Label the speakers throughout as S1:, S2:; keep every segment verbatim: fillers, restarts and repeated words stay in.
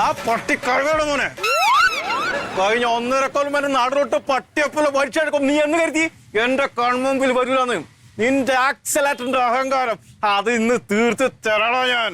S1: പട്ടി കഴിവണം മോനെ. കഴിഞ്ഞ ഒന്നര കൊല്ലം വരെ നാടിലോട്ട് പട്ടിയപ്പുള്ള പഠിച്ചെടുക്കും. നീ എന്ന് കരുതി എന്റെ കൺമുമ്പിൽ വരില്ലാന്ന്? നിന്റെ ആക്സലേറ്ററിന്റെ അഹങ്കാരം അത് ഇന്ന് തീർത്ത് തരണോ ഞാൻ.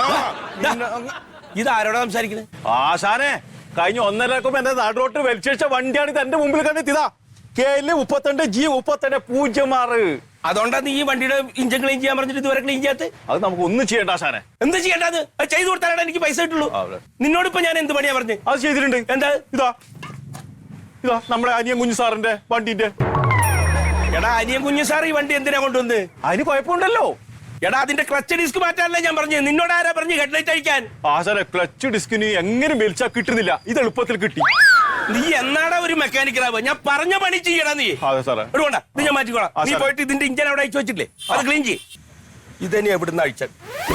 S2: ഇതാരോടാ സംസാരിക്കുന്നത്?
S1: ആശാനെ, കഴിഞ്ഞ ഒന്നര കൊല്ലം എന്റെ നാടിലോട്ട് വലിച്ചഴിച്ച വണ്ടിയാണ് ഇത് എന്റെ മുമ്പിൽ കണ്ടെത്തിയതാ. കെ എൽ മുപ്പത്തിരണ്ട് ജി മുപ്പത്തിരണ്ട് പൂജ്യം ആറ്.
S2: അതുകൊണ്ടാ നീ ഈ വണ്ടിയുടെ ഇഞ്ചൻ ക്ലീൻ ചെയ്യാൻ പറഞ്ഞിട്ട് ഇതുവരെ ക്ലീൻ ചെയ്യാത്ത?
S1: അത് നമുക്ക് ഒന്നും ചെയ്യണ്ട ആശാനെ.
S2: എന്ത് ചെയ്യേണ്ടത്? അത് ചെയ്തു കൊടുത്താലാണ് എനിക്ക് പൈസ കിട്ടുള്ളൂ. നിന്നോട് ഇപ്പൊ ഞാൻ എന്ത് പണിയാ പറഞ്ഞു?
S1: അത് ചെയ്തിട്ടുണ്ട്.
S2: എന്താ?
S1: ഇതാ ഇതാ നമ്മുടെ അനിയൻ കുഞ്ഞു സാറിന്റെ വണ്ടിന്റെ.
S2: എടാ, അനിയൻ കുഞ്ഞു സാർ ഈ വണ്ടി എന്തിനാ കൊണ്ടുവന്ന്?
S1: അതിന് കുഴപ്പമുണ്ടല്ലോ.
S2: എടാ, അതിന്റെ ക്ലച്ച് ഡിസ്ക് മാറ്റാനല്ലേ ഞാൻ പറഞ്ഞു. നിന്നോട് ആരാ പറഞ്ഞു ഹെഡ്ലൈറ്റ് അഴിക്കാൻ?
S1: ആശാനെ, ക്ലച്ച് ഡിസ്കിന് എങ്ങനെ വലിച്ചാ കിട്ടുന്നില്ല. ഇത് എളുപ്പത്തിൽ കിട്ടി.
S2: നീ എന്നാടാ ഒരു മെക്കാനിക്കലാവുക? ഞാൻ പറഞ്ഞ പണി ചെയ്യടാ നീ.
S1: അതെ സാറേ.
S2: ഇടുകൊണ്ട, ഇത് ഞാൻ മാറ്റിക്കോളാം. നീ പോയിട്ട് ഇതിന്റെ ഇഞ്ചൻ അവിടെ അയച്ചു വെച്ചിട്ടില്ലേ, അത് ക്ലീൻ ചെയ്യ്. ഇതന്നെ എവിടുന്ന് അഴിച്ചത്?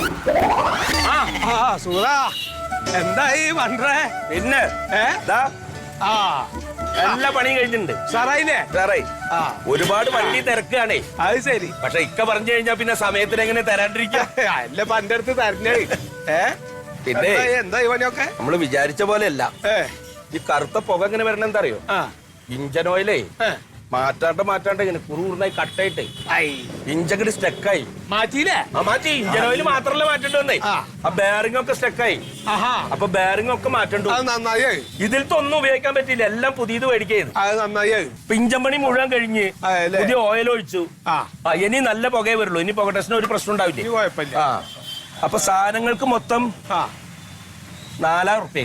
S2: എന്തായി വണ്ടേ? പിന്നെ എല്ലാ പണിയും കഴിഞ്ഞിട്ടുണ്ട് സാറായില്ലേ? സാറായി ഒരുപാട് വണ്ടി തിരക്കാണേ.
S3: അത് ശരി.
S2: പക്ഷെ ഇക്ക പറഞ്ഞു കഴിഞ്ഞാ പിന്നെ സമയത്തിന് എങ്ങനെ തരാണ്ടിരിക്കുക?
S3: അല്ല പന്റെ അടുത്ത് തരണേ.
S2: ഏ പിന്നെ
S3: എന്താ ഇവനൊക്കെ
S2: നമ്മള് വിചാരിച്ച പോലെ അല്ല. ഈ കറുത്ത പുക എങ്ങനെ വരണം എന്താ അറിയോ? ഇഞ്ചൻ ഓയിലേ മാറ്റാണ്ട് മാറ്റാണ്ട് ഇങ്ങനെ കുറുകുറുന്നായി കട്ടായിട്ട് ഇഞ്ചങ്ങട് സ്റ്റക്കായി.
S3: മാറ്റിയില്ലേ?
S2: ആ മാറ്റി. ഇഞ്ചൻ ഓയിൽ മാത്രല്ല മാറ്റേണ്ടി വന്നേ. ആ ബെയറിംഗ് ഒക്കെ സ്റ്റക്കായി. അപ്പൊ ബെയറിംഗ് ഒക്കെ മാറ്റണ്ടു.
S3: അത് നന്നായി.
S2: ഇതിലത്തെ ഒന്നും ഉപയോഗിക്കാൻ പറ്റില്ല. എല്ലാം പുതിയത് മേടിക്കുന്നത്.
S3: അത് നന്നായി.
S2: ഇപ്പൊ ഇഞ്ചൻ പണി മുഴുവൻ കഴിഞ്ഞ് പുതിയ ഓയിൽ ഒഴിച്ചു. ആ ഇനി നല്ല പുകയെ വരുള്ളൂ. ഇനി പുക ടെസ്റ്റിന് ഒരു പ്രശ്നം ഉണ്ടാവില്ല.
S3: കുഴപ്പമില്ല.
S2: ആ അപ്പൊ സാധനങ്ങൾക്ക് മൊത്തം നാലായിരം ഉറുപ്പ്യ.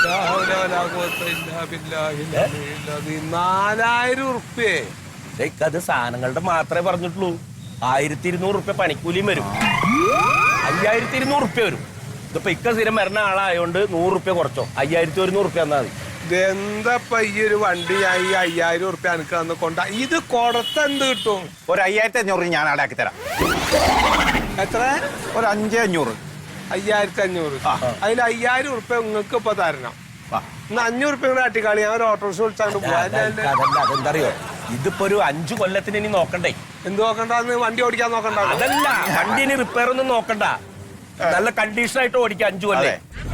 S3: നാലായിരം ഉറുപ്പ്യ?
S2: അത് സാധനങ്ങളുടെ മാത്രമേ പറഞ്ഞിട്ടുള്ളൂ. ആയിരത്തി ഇരുന്നൂറ് ഉറുപ്പ്യ പണിക്കൂലിയും വരും. അയ്യായിരത്തി ഇരുന്നൂറ് ഉറുപ്പ്യ വരും. ഇതിപ്പോ ഇക്ക സ്ഥിരം വരുന്ന ആളായോണ്ട് നൂറ് ഉറുപ്പ്യ കുറച്ചോ. അയ്യായിരത്തി ഒരുന്നൂറ് ഉറുപ്പ്യ തന്നാ മതി.
S3: ഇതെന്തപ്പ ഈ ഒരു വണ്ടി ഈ അയ്യായിരം ഉറുപ്പ്യ എനിക്ക് തന്ന് കൊണ്ട ഇത് കൊടുത്ത എന്ത് കിട്ടും?
S1: ഒരു അയ്യായിരത്തി അഞ്ഞൂറ് ഞാൻ അവിടെ ആക്കി തരാം.
S3: എത്ര?
S1: ഒരു അഞ്ചേ അഞ്ഞൂറ്.
S3: അയ്യായിരത്തി അഞ്ഞൂറ്. അതിൽ അയ്യായിരം ഉറുപ്പ്യ നിങ്ങൾക്ക് ഇപ്പൊ തരണം. ഇന്ന് അഞ്ഞൂറ് ഉറുപ്പ്യ കൂടെ അട്ടിക്കാളി. ഞാൻ ഒരു ഓട്ടോറിക്ഷ വിളിച്ചാണ്ട് പോവാ.
S2: അതെന്തറിയോ, ഇതിപ്പോ ഒരു അഞ്ചു കൊല്ലത്തിന് ഇനി നോക്കണ്ടേ?
S3: എന്ത് നോക്കണ്ടെന്ന്? വണ്ടി ഓടിക്കാൻ നോക്കണ്ട?
S2: അതല്ല, വണ്ടി ഇനി റിപ്പയർ ഒന്നും നോക്കണ്ട. നല്ല കണ്ടീഷൻ ആയിട്ട് ഓടിക്കാം അഞ്ചു കൊല്ലേ.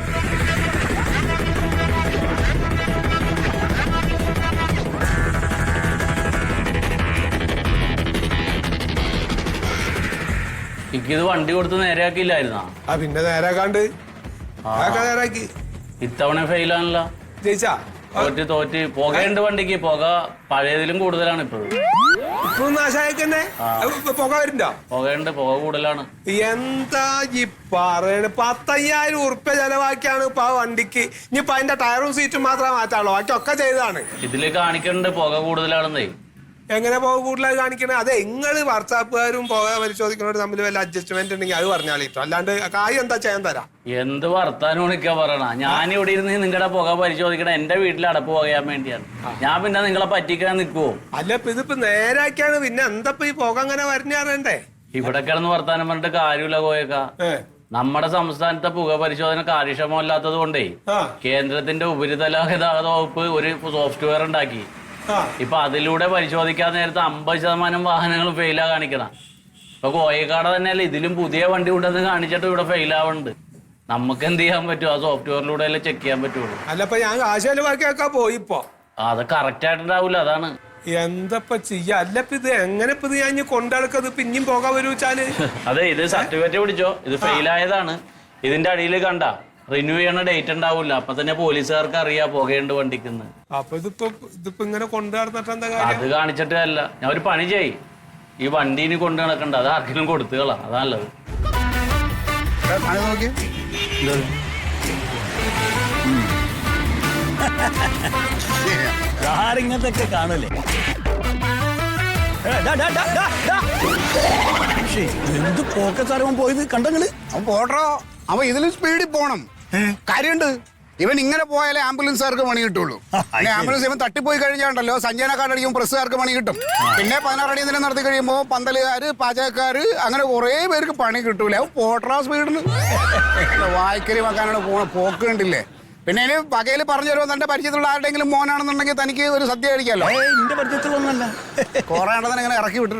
S4: ഇത് വണ്ടി കൊടുത്ത് നേരെയാക്കിയില്ലായിരുന്നാ?
S3: ആ പിന്നെ നേരാക്കാണ്ട് നേരാക്കി.
S4: ഇത്തവണ ഫെയിലാണല്ലോ.
S3: ജയിച്ചാ?
S4: തോറ്റ് തോറ്റ് പുകയുണ്ട് വണ്ടിക്ക്. പുക പഴയതിലും കൂടുതലാണ് ഇപ്പോഴും.
S3: ഇപ്പൊ നാശായക്കന്നെ പുക വരുന്നുണ്ടോ?
S4: പുകയുണ്ട്, പുക കൂടുതലാണ്.
S3: എന്താ ഈ പറയണ? പത്തയ്യായിരം ഉറുപ്പ്യ ചെലവാക്കിയാണ് ഇപ്പൊ ആ വണ്ടിക്ക്. ഇനിയിപ്പൊ അതിന്റെ ടയറും സീറ്റും മാത്രമേ മാറ്റാളൂ. ബാക്കിയൊക്കെ ചെയ്താണ്.
S4: ഇതില് കാണിക്കുന്നുണ്ട് പുക കൂടുതലാണെന്നേ.
S3: എങ്ങനെ പുക കൂടുതലായി കാണിക്കണേ? അതെ, നിങ്ങള് വാട്സാപ്പുകാരും പുക പരിശോധിക്കുന്നവർ തമ്മിൽ വല്ല അഡ്ജസ്റ്റ്മെന്റ് ഉണ്ടെങ്കിൽ അത് പറഞ്ഞാളിട്ടോ. അല്ലാണ്ട് കായ് എന്താ ചെയ്യാൻ തരാം?
S4: എന്ത് വർത്താനോണിക്കാ പറയണ? ഞാൻ ഇവിടെ ഇരുന്ന് നിങ്ങളുടെ പുക പരിശോധിക്കണ എന്റെ വീട്ടിൽ അടപ്പ് പോകാൻ വേണ്ടിയാണ്. ഞാൻ പിന്നെ നിങ്ങളെ പറ്റിക്കാൻ നിൽക്കുവോ?
S3: അല്ല ഇപ്പൊ ഇതിപ്പോ നേരാക്കിയാണ്. പിന്നെ എന്താ ഈ പുക അങ്ങനെ വരണ്ടേ?
S4: ഇവിടെ കിടന്ന് വർത്താനം പറഞ്ഞിട്ട് കാര്യമില്ല കോയക്ക. നമ്മുടെ സംസ്ഥാനത്തെ പുക പരിശോധന കാര്യക്ഷമമല്ലാത്തത് കൊണ്ടേ കേന്ദ്രത്തിന്റെ ഉപരിതല ഗതാഗത വകുപ്പ് ഒരു സോഫ്റ്റ്വെയർ ഉണ്ടാക്കി. ഇപ്പൊ അതിലൂടെ പരിശോധിക്കാൻ നേരത്തെ അമ്പത് ശതമാനം വാഹനങ്ങൾ ഫെയിലാ കാണിക്കണം. ഇപ്പൊ കോയക്കാട് തന്നെയല്ലേ ഇതിലും പുതിയ വണ്ടി ഉണ്ടെന്ന് കാണിച്ചിട്ട് ഇവിടെ ഫെയിലാവുന്നുണ്ട്. നമുക്ക് എന്ത് ചെയ്യാൻ പറ്റും? ആ സോഫ്റ്റ്വെയറിലൂടെ അല്ലേ ചെക്ക് ചെയ്യാൻ പറ്റുള്ളൂ.
S3: അല്ലപ്പോ ഞാൻ കാശ് ചെലവാക്കിയൊക്കെ പോയിപ്പോ
S4: അത് കറക്റ്റ് ആയിട്ടുണ്ടാവൂല. അതാണ്
S3: എന്തപ്പ ചെയ്യാ? അല്ലപ്പ ഇത് എങ്ങനെ ഇപ്പൊ ഇത് ഞാൻ കൊണ്ടെടുക്കത്? പിന്നെയും പോകാൻ വരുവെച്ചാല്?
S4: അതെ, ഇത് സർട്ടിഫിക്കറ്റ് പിടിച്ചോ. ഇത് ഫെയിലായതാണ്. ഇതിന്റെ അടിയിൽ കണ്ട റിന്യൂ ചെയ്യണ ഡേറ്റ് ഉണ്ടാവില്ല. അപ്പൊ തന്നെ പോലീസുകാർക്ക് അറിയാം പുകയുണ്ട് വണ്ടിക്കുന്ന്.
S3: അപ്പൊ ഇതിപ്പോ ഇതിപ്പോ ഇങ്ങനെ കൊണ്ടു നടന്നിട്ട് എന്താ കാര്യം?
S4: അത് കാണിച്ചിട്ട് അല്ല. ഞാൻ ഒരു പണി ചെയ്, ഈ വണ്ടി ഇനി കൊണ്ടു നടക്കണ്ട. അത് ആർക്കെങ്കിലും കൊടുത്തുകളാ. അതാ നല്ലത്.
S2: ഇങ്ങനത്തെ കാണൂലേ? എന്ത് പോക്കസാരവൻ പോയത് കണ്ടങ്ങള്?
S5: അവൻ പോട്ടോ. അവൻ ഇതിലും സ്പീഡിൽ പോണം. കാര്യമുണ്ട്. ഇവൻ ഇങ്ങനെ പോയാലേ ആംബുലൻസുകാർക്ക് പണി കിട്ടുള്ളൂ. പിന്നെ ആംബുലൻസ് ഇവൻ തട്ടിപ്പോയി കഴിഞ്ഞാണ്ടല്ലോ സഞ്ജന കാർഡ് അടിക്കുമ്പോൾ പ്രസ്സുകാർക്ക് പണി കിട്ടും. പിന്നെ പതിനാറടി ദിനം നടത്തി കഴിയുമ്പോൾ പന്തലുകാര്, പാചകക്കാര്, അങ്ങനെ കുറെ പേർക്ക് പണി കിട്ടൂല. അവൻ പോട്ടറാ സ്പീഡിന്. വായിക്കരി വെക്കാനാണ് പോണ പോക്ക് കണ്ടില്ലേ? പിന്നെ ഇനി പകയിൽ പറഞ്ഞു തരുമോ? തന്റെ പരിചയത്തിലുള്ള ആരുടെങ്കിലും മോനാണെന്നുണ്ടെങ്കിൽ തനിക്ക് ഒരു സദ്യ കഴിക്കാമല്ലോ.
S2: എന്റെ പരിചയത്തിലൊന്നുമല്ല.
S5: കുറെ ആണെന്ന് ഇങ്ങനെ ഇറക്കി വിട്ടിട്ടുണ്ട്.